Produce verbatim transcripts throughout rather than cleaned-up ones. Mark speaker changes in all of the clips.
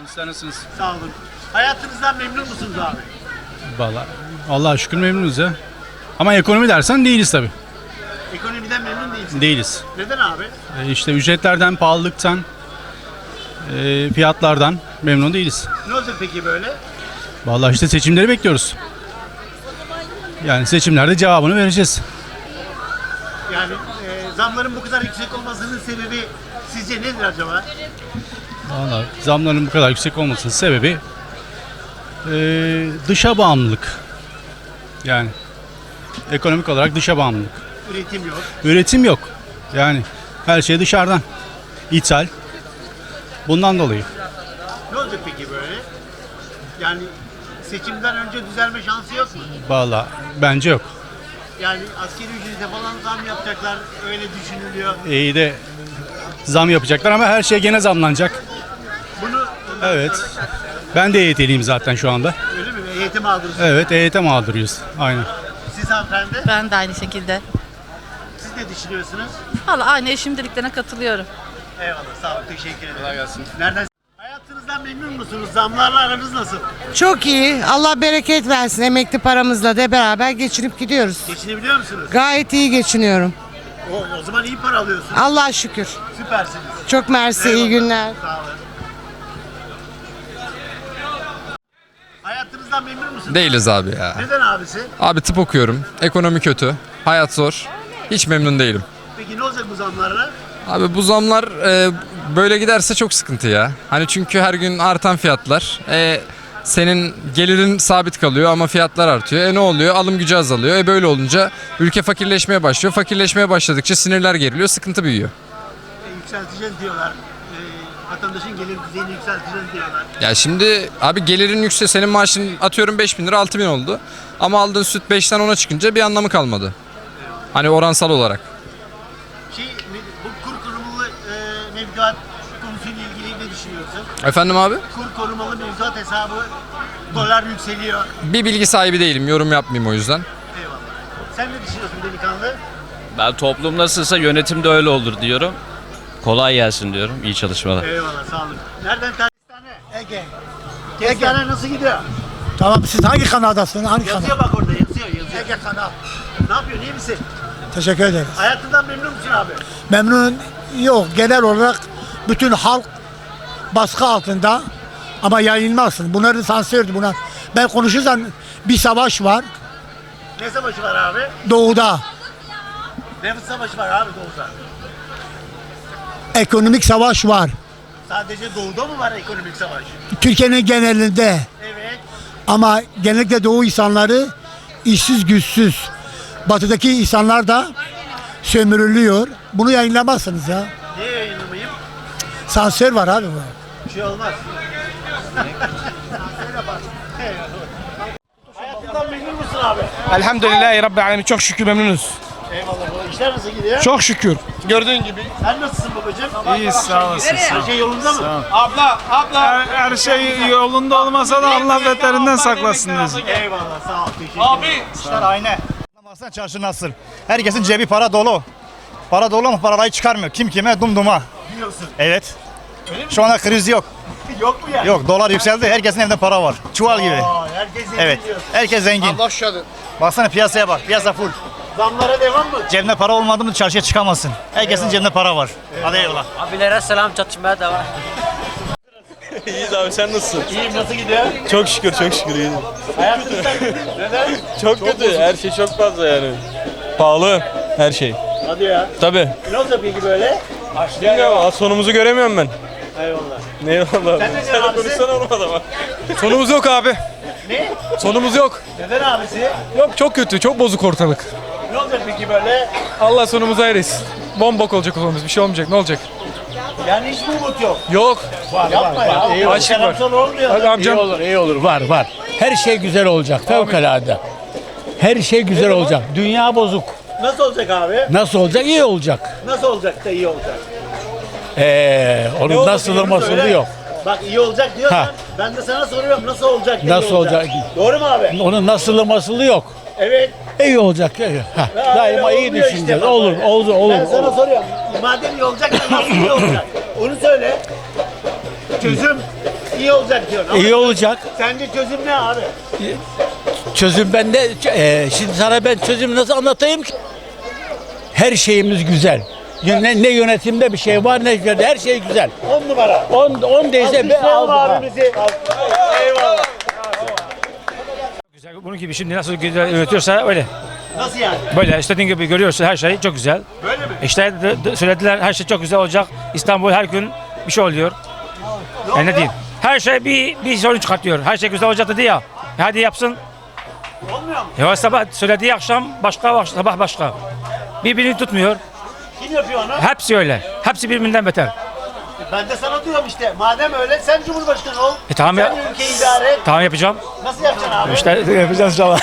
Speaker 1: Sizler nasılsınız?
Speaker 2: Sağ olun. Hayatınızdan memnun musunuz abi?
Speaker 1: Vallahi Allah'a şükür memnunuz ya. Ama ekonomi dersen değiliz tabii.
Speaker 2: Ekonomiden memnun değilsiniz.
Speaker 1: Değiliz.
Speaker 2: Neden abi?
Speaker 1: E işte ücretlerden, pahalılıktan, e, fiyatlardan memnun değiliz.
Speaker 2: Ne olacak peki böyle?
Speaker 1: Vallahi işte seçimleri bekliyoruz. Yani seçimlerde cevabını vereceğiz.
Speaker 2: Yani e, zamların bu kadar yüksek olmasının sebebi sizce nedir acaba?
Speaker 1: Vallahi zamların bu kadar yüksek olmasının sebebi e, dışa bağımlılık. Yani ekonomik olarak dışa bağımlılık.
Speaker 2: Üretim yok.
Speaker 1: Üretim yok. Yani her şey dışarıdan. İthal. Bundan dolayı.
Speaker 2: Ne olacak peki böyle? Yani seçimden önce düzelme şansı yok mu?
Speaker 1: Vallahi bence yok.
Speaker 2: Yani askeri ücrete falan zam yapacaklar öyle düşünülüyor.
Speaker 1: İyi de zam yapacaklar ama her şey gene zamlanacak.
Speaker 2: Bunu
Speaker 1: Evet. Ben de E Y T'liyim zaten şu anda.
Speaker 2: öyle mi? Eğitim aldınız.
Speaker 1: Evet, E Y T mağduruyuz. Aynen.
Speaker 2: Siz hanımefendi,
Speaker 3: Ben de aynı şekilde.
Speaker 2: siz ne düşünüyorsunuz?
Speaker 3: Valla aynı eşim dediklerine katılıyorum.
Speaker 2: Eyvallah, sağ olun, teşekkür ederim. Kolay gelsin. Nereden? Hayatınızdan memnun musunuz? Zamlarla aranız nasıl?
Speaker 4: Çok iyi. Allah bereket versin. Emekli paramızla da beraber geçinip gidiyoruz.
Speaker 2: Geçinebiliyor musunuz?
Speaker 4: Gayet iyi geçiniyorum.
Speaker 2: O, o zaman iyi para alıyorsunuz.
Speaker 4: Allah'a şükür.
Speaker 2: Süpersiniz.
Speaker 4: Çok mersi. iyi
Speaker 2: Eyvallah.
Speaker 4: günler.
Speaker 2: Sağ olun. Hayatınızdan memnun musunuz?
Speaker 5: Değiliz abi ya.
Speaker 2: Neden abisi?
Speaker 5: Abi tıp okuyorum. Ekonomi kötü. Hayat zor. Hiç memnun değilim.
Speaker 2: Peki ne olacak bu zamlarla?
Speaker 5: Abi bu zamlar e, böyle giderse çok sıkıntı ya. Hani çünkü her gün artan fiyatlar. E, senin gelirin sabit kalıyor ama fiyatlar artıyor. E ne oluyor? Alım gücü azalıyor. E böyle olunca ülke fakirleşmeye başlıyor. Fakirleşmeye başladıkça sinirler geriliyor. Sıkıntı büyüyor.
Speaker 2: E, yükselteceğiz diyorlar. E, vatandaşın gelir düzeyini yükselteceğiz diyorlar.
Speaker 5: Ya şimdi abi gelirin yüksek. Senin maaşın atıyorum beş bin lira altı bin oldu. Ama aldığın süt beşten ona çıkınca bir anlamı kalmadı. Hani oransal olarak.
Speaker 2: Şey, bu kur korumalı e, mevduat konusuyla ilgili ne düşünüyorsun?
Speaker 5: Efendim abi?
Speaker 2: Kur korumalı mevduat hesabı dolar yükseliyor.
Speaker 5: Bir bilgi sahibi değilim. Yorum yapmayayım o yüzden.
Speaker 2: Eyvallah. Sen ne düşünüyorsun delikanlı?
Speaker 6: Ben toplum nasılsa yönetim de öyle olur diyorum. Kolay gelsin diyorum. İyi çalışmalar.
Speaker 2: Eyvallah, sağ olun. Nereden Kestane? Ege. Kestane nasıl gidiyor?
Speaker 7: Tamam, siz hangi kanaldasınız? Hangi kanal?
Speaker 2: Yazıyor bak orada, yazıyor, yazıyor. Ege kanal. Ne yapıyorsun, iyi misin?
Speaker 7: Teşekkür ederiz.
Speaker 2: Hayatından memnun musun abi?
Speaker 7: Memnun yok. Genel olarak bütün halk baskı altında ama yayılmazsın. Bunları sansürdü buna. Ben konuşursam bir savaş var
Speaker 2: Ne savaşı var abi?
Speaker 7: doğuda.
Speaker 2: Ne savaşı var abi doğuda?
Speaker 7: Ekonomik savaş var.
Speaker 2: Sadece doğuda mı var ekonomik savaş?
Speaker 7: Türkiye'nin genelinde.
Speaker 2: Evet.
Speaker 7: Ama genellikle doğu insanları işsiz güçsüz. Batıdaki insanlar da sömürülüyor. Bunu yayınlamazsınız ya.
Speaker 2: Niye yayınlamayayım?
Speaker 7: Sansür var abi bu.
Speaker 2: Bir şey olmaz. Hayatından memnun musun abi?
Speaker 8: Elhamdülillahi Rabbil Alemin. Çok şükür memnunuz.
Speaker 2: Eyvallah baba. İşler nasıl gidiyor?
Speaker 8: Çok şükür. Gördüğün gibi.
Speaker 2: Sen nasılsın babacığım?
Speaker 8: İyiyiz, sağ olasın.
Speaker 2: Her şey yolunda mı?
Speaker 8: Abla, abla. Her, her şey yolunda olmasa da Allah beterinden saklasın diyoruz.
Speaker 2: Eyvallah, sağ ol. Teşekkür ederim.
Speaker 8: Abi.
Speaker 9: İşler aynı. Baksana çarşı nasıl? Herkesin cebi para dolu. Para dolu ama parayı çıkarmıyor. Kim kime dumduma.
Speaker 2: Biliyorsun.
Speaker 9: Evet. Şu anda kriz yok.
Speaker 2: Yok mu yani?
Speaker 9: Yok, dolar yükseldi. Herkesin evinde para var. Çuval gibi.
Speaker 2: Aa, herkes zengin
Speaker 9: Evet.
Speaker 2: diyorsun.
Speaker 9: Herkes zengin.
Speaker 8: Allah şadı.
Speaker 9: Baksana piyasaya bak. Piyasa full.
Speaker 2: Zamlara devam mı?
Speaker 9: Cebinde para olmadı mı çarşıya çıkamazsın. Herkesin cebinde para var. Hadi eyvallah.
Speaker 10: Abilere selam, çatışmaya devam.
Speaker 8: İyiyiz abi, sen nasılsın?
Speaker 2: İyiyim, nasıl gidiyor?
Speaker 8: Çok şükür, çok şükür iyiyiz.
Speaker 2: Hayatınızdan neden?
Speaker 8: Çok, kötü, her şey çok fazla yani. Pahalı her şey.
Speaker 2: Hadi ya.
Speaker 8: Tabii.
Speaker 2: Ne olacak peki böyle?
Speaker 8: Bilmiyorum, sonumuzu göremiyorum ben.
Speaker 2: Eyvallah.
Speaker 8: Eyvallah.
Speaker 2: Sen ne diyorsun abisi?
Speaker 8: konuşsana olmadı ama. Sonumuz yok abi.
Speaker 2: Ne?
Speaker 8: Sonumuz yok.
Speaker 2: Neden abisi?
Speaker 8: Yok, çok kötü, çok bozuk ortalık.
Speaker 2: Ne olacak peki böyle?
Speaker 8: Allah sonumuzu hayretsin. Bombok olacak o sonumuz, bir şey olmayacak, ne olacak?
Speaker 2: Yani hiç mi umut yok?
Speaker 8: Yok.
Speaker 2: Var, Yapma ya.
Speaker 8: İyi olur.
Speaker 2: Karamsar olmuyor.
Speaker 8: Hadi amcam.
Speaker 11: İyi olur, iyi olur. Var, var. Her şey güzel olacak. Fevkalade. Her şey güzel olacak. Dünya bozuk.
Speaker 2: Nasıl olacak abi?
Speaker 11: Nasıl olacak? İyi olacak.
Speaker 2: Nasıl olacak da iyi olacak?
Speaker 11: Ee,
Speaker 2: Ne
Speaker 11: onun
Speaker 2: oldu
Speaker 11: nasılı
Speaker 2: diyorum,
Speaker 11: masılı
Speaker 2: söyle.
Speaker 11: yok.
Speaker 2: Bak iyi olacak diyorsan
Speaker 11: Ha.
Speaker 2: ben de sana soruyorum nasıl olacak da iyi
Speaker 11: Nasıl olacak?
Speaker 2: Doğru mu abi?
Speaker 11: Onun nasılı masılı yok.
Speaker 2: Evet.
Speaker 11: İyi olacak. Ha.
Speaker 2: Ha,
Speaker 11: Daima
Speaker 2: öyle
Speaker 11: iyi
Speaker 2: olmuyor
Speaker 11: düşüneceğiz.
Speaker 2: işte bak
Speaker 11: olur,
Speaker 2: öyle.
Speaker 11: olur, olur.
Speaker 2: Ben sana
Speaker 11: olur.
Speaker 2: soruyorum. Madem iyi olacak da nasıl iyi olacak? Onu söyle. Çözüm. iyi olacak diyor.
Speaker 11: İyi olacak.
Speaker 2: Sence çözüm ne abi?
Speaker 11: Çözüm bende. E, şimdi sana ben çözümü nasıl anlatayım ki? Her şeyimiz güzel. Ne, ne yönetimde bir şey var ne her şey güzel.
Speaker 2: On numara.
Speaker 11: On, on değilse be
Speaker 2: Alkışlayalım
Speaker 11: aldık.
Speaker 2: abimizi. Eyvallah.
Speaker 8: Güzel. Bunun gibi şimdi nasıl güzel üretiyorsa öyle.
Speaker 2: Nasıl yani?
Speaker 8: Böyle istediğin gibi görüyorsun her şey çok güzel.
Speaker 2: Böyle mi?
Speaker 8: İşte de- de- söylediler her şey çok güzel olacak. İstanbul her gün bir şey oluyor. Yani ne diyeyim? Her şey bir bir sorun çıkartıyor. Her şey güzel olacak dedi ya. E hadi yapsın.
Speaker 2: Olmuyor mu?
Speaker 8: Ya sabah söylediği akşam başka, sabah başka. Birbirini tutmuyor.
Speaker 2: Kim yapıyor onu?
Speaker 8: Hepsi öyle. Hepsi birbirinden beter.
Speaker 2: Ben de sana diyorum işte. Madem öyle sen Cumhurbaşkanı ol.
Speaker 8: E tamam
Speaker 2: sen
Speaker 8: ya.
Speaker 2: ülkeyi idare et.
Speaker 8: Tamam yapacağım.
Speaker 2: Nasıl yapacaksın abi?
Speaker 8: İşte yapacağız inşallah.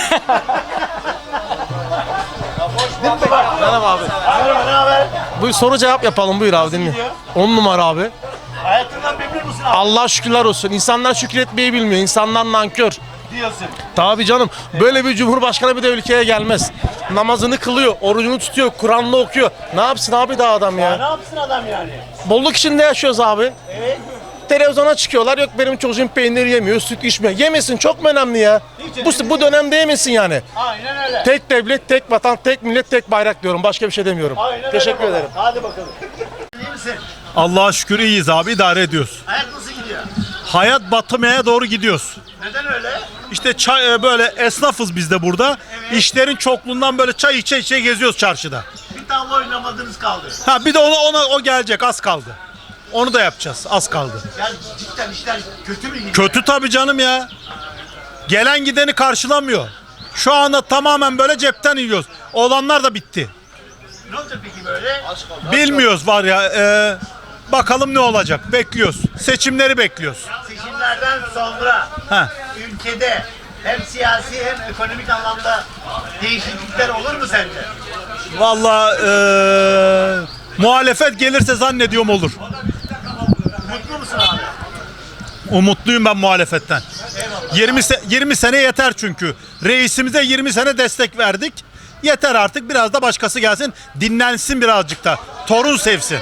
Speaker 2: Merhaba abi. Merhaba, ne haber?
Speaker 12: Bu soru cevap yapalım buyur abi dinle. on numara abi.
Speaker 2: Hayatından memnun musun abi?
Speaker 12: Allah şükürler olsun. İnsanlar şükretmeyi bilmiyor. İnsanlar nankör.
Speaker 2: Diyorsun.
Speaker 12: Tabii canım. Böyle bir cumhurbaşkanı bir de ülkeye gelmez. Namazını kılıyor, orucunu tutuyor, Kur'an'ını okuyor. Ne yapsın abi daha adam
Speaker 2: Ya
Speaker 12: ya?
Speaker 2: ne yapsın adam yani?
Speaker 12: Bolluk içinde yaşıyoruz abi.
Speaker 2: Evet.
Speaker 12: Televizyona çıkıyorlar. Yok benim çocuğum peynir yemiyor, süt içmiyor. Yemesin çok mu önemli ya? Bu, bu dönemde yemesin yani.
Speaker 2: Aynen öyle.
Speaker 12: Tek devlet, tek vatan, tek millet, tek bayrak diyorum. Başka bir şey demiyorum.
Speaker 2: Aynen
Speaker 12: Teşekkür
Speaker 2: öyle baba.
Speaker 12: ederim.
Speaker 2: Hadi bakalım. İyi misin?
Speaker 1: Allah'a şükür iyiyiz abi, idare ediyoruz.
Speaker 2: Hayat nasıl gidiyor?
Speaker 1: Hayat batmaya doğru gidiyoruz.
Speaker 2: Neden öyle?
Speaker 1: İşte çay, böyle esnafız biz de burada. İşlerin çokluğundan böyle çay içe içe geziyoruz çarşıda.
Speaker 2: Bir tavla oynamadığınız kaldı.
Speaker 1: Ha bir de ona, ona o gelecek, az kaldı. Onu da yapacağız, az kaldı.
Speaker 2: Yani cidden işler kötü mü gidiyor?
Speaker 1: Kötü tabii canım ya. Gelen gideni karşılamıyor. Şu anda tamamen böyle cepten yiyoruz. Olanlar da bitti.
Speaker 2: Ne olacak peki böyle?
Speaker 1: Bilmiyoruz var ya. e, bakalım ne olacak. Bekliyoruz. Seçimleri bekliyoruz.
Speaker 2: Seçimlerden sonra
Speaker 1: Ha.
Speaker 2: ülkede hem siyasi hem ekonomik anlamda değişiklikler olur mu sence?
Speaker 1: Vallahi e, muhalefet gelirse zannediyorum olur.
Speaker 2: Mutlu musun abi?
Speaker 1: Umutluyum ben muhalefetten. yirmi, se- yirmi sene yeter çünkü. Reisimize yirmi sene destek verdik. Yeter artık, biraz da başkası gelsin. Dinlensin birazcık da. Torun sevsin.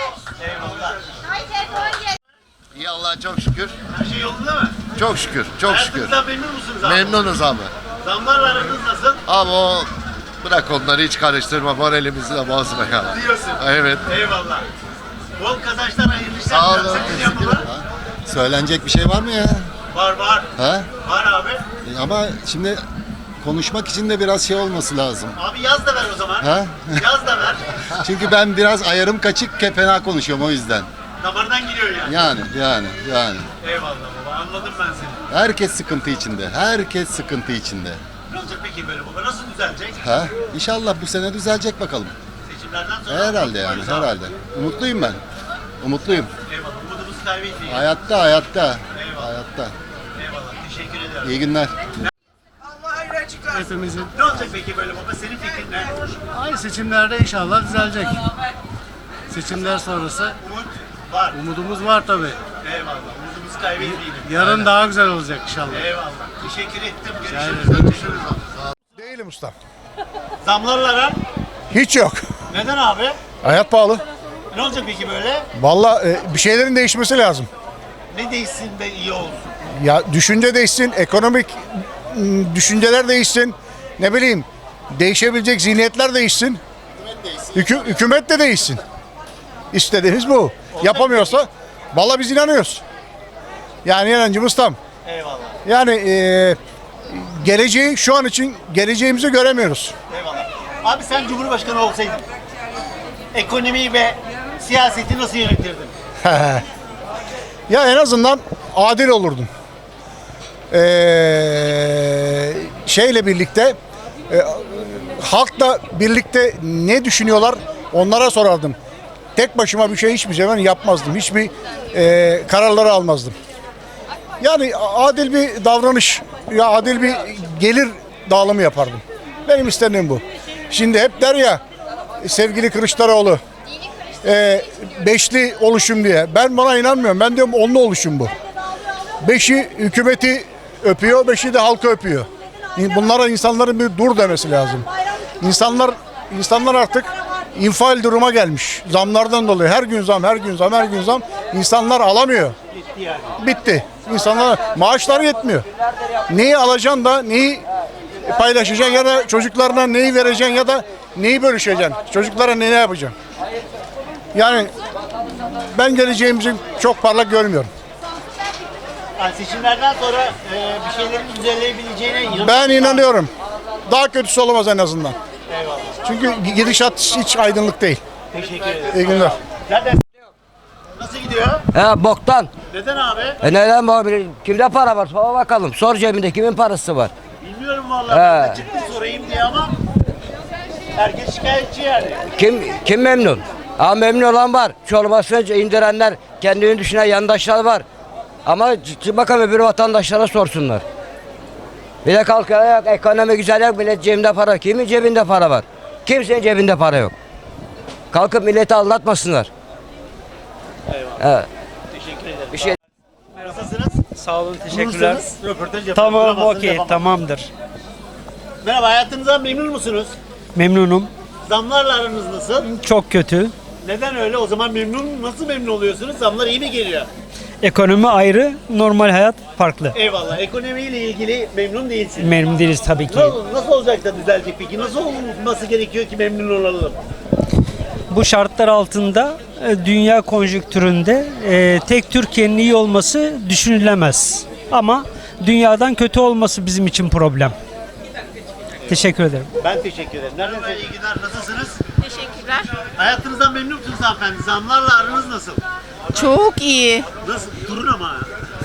Speaker 13: İyi Allah'a çok şükür.
Speaker 2: Her şey yolunda mı?
Speaker 13: Çok şükür. Çok şükür.
Speaker 2: Hayatınızdan memnun musunuz abi?
Speaker 13: Memnunuz abi.
Speaker 2: Zamlarla aranız nasıl?
Speaker 13: Ama o bırak onları hiç karıştırma. Moralimizi de bozma ya.
Speaker 2: Diyorsun.
Speaker 13: Evet.
Speaker 2: Eyvallah. Bol kazançlar, hayırlı işler.
Speaker 13: Sağ olun.
Speaker 2: Seçim yapılır.
Speaker 13: Söylenecek bir şey var mı ya?
Speaker 2: Var var.
Speaker 13: Ha?
Speaker 2: Var abi.
Speaker 13: Ama şimdi konuşmak için de biraz şey olması lazım.
Speaker 2: Abi yaz da ver o zaman.
Speaker 13: Ha?
Speaker 2: Yaz da ver.
Speaker 13: Çünkü ben biraz ayarım kaçık, fena konuşuyorum o yüzden.
Speaker 2: Damardan giriyor yani.
Speaker 13: Yani, yani, yani.
Speaker 2: Eyvallah baba, anladım ben seni.
Speaker 13: Herkes sıkıntı içinde. Herkes sıkıntı içinde.
Speaker 2: Ne olacak peki böyle baba? Nasıl düzelecek?
Speaker 13: Ha? İnşallah bu sene düzelecek bakalım.
Speaker 2: Seçimlerden sonra.
Speaker 13: Herhalde yani,
Speaker 2: umutluyuz abi.
Speaker 13: herhalde. Umutluyum ben. Umutluyum.
Speaker 2: Eyvallah. Umudumuzu kaybetmeyin.
Speaker 13: Hayatta, hayatta.
Speaker 2: Eyvallah.
Speaker 13: Hayatta.
Speaker 2: Eyvallah. Teşekkür ederim.
Speaker 13: İyi günler.
Speaker 2: Hepimizin. Ne olacak peki böyle baba? Senin fikrin ne?
Speaker 14: Ay seçimlerde inşallah düzelecek. Seçimler sonrası
Speaker 2: Umut var.
Speaker 14: umudumuz var tabi.
Speaker 2: Eyvallah. Umudumuzu kaybetmeyelim.
Speaker 14: Yarın daha güzel olacak inşallah.
Speaker 2: Eyvallah. Teşekkür ettim. Görüşürüz.
Speaker 14: ederim.
Speaker 2: Görüşürüz.
Speaker 7: Değilim usta.
Speaker 2: Zamlarla aran?
Speaker 7: Hiç yok.
Speaker 2: Neden abi?
Speaker 7: Hayat pahalı.
Speaker 2: Ne olacak peki böyle?
Speaker 7: Vallahi bir şeylerin değişmesi lazım.
Speaker 2: Ne değişsin de iyi olsun?
Speaker 7: Ya düşünce değişsin, ekonomik ım, düşünceler değişsin. Ne bileyim, değişebilecek zihniyetler değişsin. Hükü, hükümet de değişsin. İstediğimiz bu. Yapamıyorsa vallahi biz inanıyoruz. Yani inancımız tam.
Speaker 2: Eyvallah.
Speaker 7: Yani e, geleceği şu an için geleceğimizi göremiyoruz.
Speaker 2: Eyvallah. Abi sen Cumhurbaşkanı olsaydın ekonomiyi ve siyaseti nasıl yönetirdin?
Speaker 7: Ya en azından adil olurdun. Ee, şeyle birlikte e, halkla birlikte ne düşünüyorlar onlara sorardım. Tek başıma bir şey hiçbir zaman yapmazdım. Hiçbir e, kararları almazdım. Yani adil bir davranış, ya adil bir gelir dağılımı yapardım. Benim istediğim bu. Şimdi hep der ya sevgili Kılıçdaroğlu e, beşli oluşum diye. Ben buna inanmıyorum. Ben diyorum onlu oluşum bu. Beşi hükümeti öpüyor, beşi de halkı öpüyor. Bunlara insanların bir dur demesi lazım. İnsanlar insanlar artık infial duruma gelmiş. Zamlardan dolayı her gün zam, her gün zam, her gün zam. İnsanlar alamıyor.
Speaker 2: Bitti yani.
Speaker 7: Bitti. İnsanlar maaşları yetmiyor. Neyi alacaksın da neyi paylaşacaksın ya da çocuklarına neyi vereceksin ya da neyi bölüşeceksin? Çocuklara ne, ne yapacaksın? Yani ben geleceğimizi çok parlak görmüyorum.
Speaker 2: Yani seçimlerden sonra e, bir şeylerin düzelebileceğine inanıyorum.
Speaker 7: Ben inanıyorum. Daha kötüsü olamaz en azından.
Speaker 2: Eyvallah.
Speaker 7: Çünkü gidişat hiç aydınlık değil.
Speaker 2: Teşekkür ederim.
Speaker 7: İyi günler.
Speaker 2: Zaten nasıl gidiyor?
Speaker 10: He boktan.
Speaker 2: Neden abi?
Speaker 10: E neden bu? Kimde para var? Sor bakalım. Sor cebinde kimin parası var?
Speaker 2: Bilmiyorum vallahi.
Speaker 10: He.
Speaker 2: Ben de çıktım sorayım diye ama herkes şikayetçi yani.
Speaker 10: Kim kim memnun? Ama memnun olan var. Çorbasını indirenler, kendini düşünen yandaşlar var. Ama c- bakalım öbür vatandaşlara sorsunlar. Bir de kalkıyor yok, ekonomi güzel yok, millet cebinde para. Kimin cebinde para var? Kimsenin cebinde para yok. Kalkıp milleti aldatmasınlar.
Speaker 2: Eyvallah.
Speaker 10: Evet.
Speaker 2: Teşekkür ederim.
Speaker 10: Bir şey.
Speaker 2: Nasılsınız?
Speaker 15: Sağ olun, teşekkürler.
Speaker 2: Bulursanız Röportaj yapalım.
Speaker 15: Tamam,
Speaker 2: Bulamazsanız
Speaker 15: okey,
Speaker 2: yapamam.
Speaker 15: tamamdır.
Speaker 2: Merhaba, hayatınızdan memnun musunuz?
Speaker 15: Memnunum.
Speaker 2: Zamlarla aranız nasıl?
Speaker 15: Çok kötü.
Speaker 2: Neden öyle? O zaman memnun, nasıl memnun oluyorsunuz? Zamlar iyi mi geliyor?
Speaker 15: Ekonomi ayrı, normal hayat farklı.
Speaker 2: Eyvallah. Ekonomiyle ilgili memnun değilsiniz.
Speaker 15: Memnun değiliz tabii ki.
Speaker 2: Nasıl, nasıl olacak da düzelecek peki? Nasıl olması gerekiyor ki memnun olalım?
Speaker 15: Bu şartlar altında e, dünya konjonktüründe e, tek Türkiye'nin iyi olması düşünülemez. Ama dünyadan kötü olması bizim için problem. Teşekkür ederim.
Speaker 2: Ben teşekkür ederim. Nereden iyi günler. Nasılsınız?
Speaker 3: Teşekkürler.
Speaker 2: Hayatınızdan memnun musunuz hanımefendi? Zamlarla aranız nasıl?
Speaker 3: Çok iyi.
Speaker 2: Nasıl? Durun ama.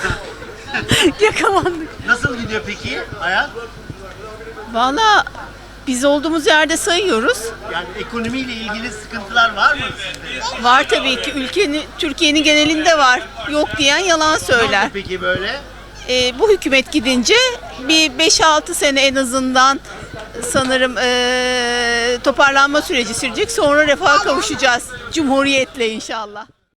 Speaker 3: Yakalandık.
Speaker 2: Nasıl gidiyor peki hayat?
Speaker 3: Valla biz olduğumuz yerde sayıyoruz.
Speaker 2: Yani ekonomiyle ilgili sıkıntılar var mı sizde?
Speaker 3: Var tabii ki. Ülkenin, Türkiye'nin genelinde var. Yok diyen yalan
Speaker 2: Ne
Speaker 3: söyler.
Speaker 2: oldu peki böyle?
Speaker 3: Ee, bu hükümet gidince bir beş altı sene en azından sanırım ee, toparlanma süreci sürecek. Sonra refaha kavuşacağız. Cumhuriyetle inşallah.